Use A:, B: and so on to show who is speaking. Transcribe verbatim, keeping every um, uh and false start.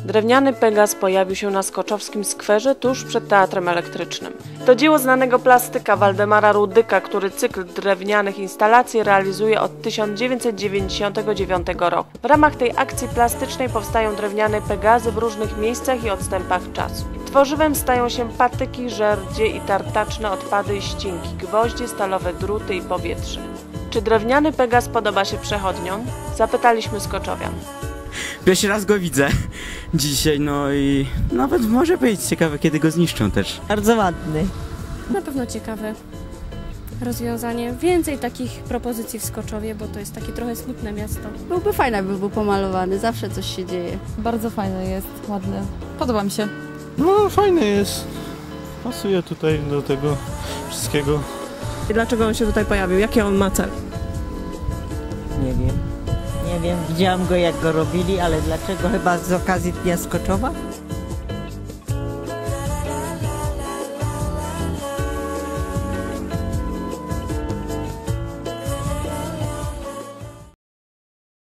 A: Drewniany Pegas pojawił się na skoczowskim skwerze tuż przed Teatrem Elektrycznym. To dzieło znanego plastyka Waldemara Rudyka, który cykl drewnianych instalacji realizuje od tysiąc dziewięćset dziewięćdziesiątego dziewiątego roku. W ramach tej akcji plastycznej powstają drewniane Pegazy w różnych miejscach i odstępach czasu. Tworzywem stają się patyki, żerdzie i tartaczne odpady i ścinki, gwoździe, stalowe druty i powietrze. Czy drewniany Pegas podoba się przechodniom? Zapytaliśmy skoczowian.
B: Pierwszy raz go widzę dzisiaj, no i nawet może być ciekawe, kiedy go zniszczą też.
C: Bardzo ładny.
D: Na pewno ciekawe rozwiązanie. Więcej takich propozycji w Skoczowie, bo to jest takie trochę smutne miasto.
E: Byłby fajny, jakby był pomalowany, zawsze coś się dzieje.
F: Bardzo fajny jest, ładny. Podoba mi się.
G: No fajny jest, pasuje tutaj do tego wszystkiego.
A: I dlaczego on się tutaj pojawił? Jaki on ma cel?
C: Nie wiem. Nie wiem, widziałam go jak go robili, ale dlaczego? Chyba z okazji Dnia Skoczowa?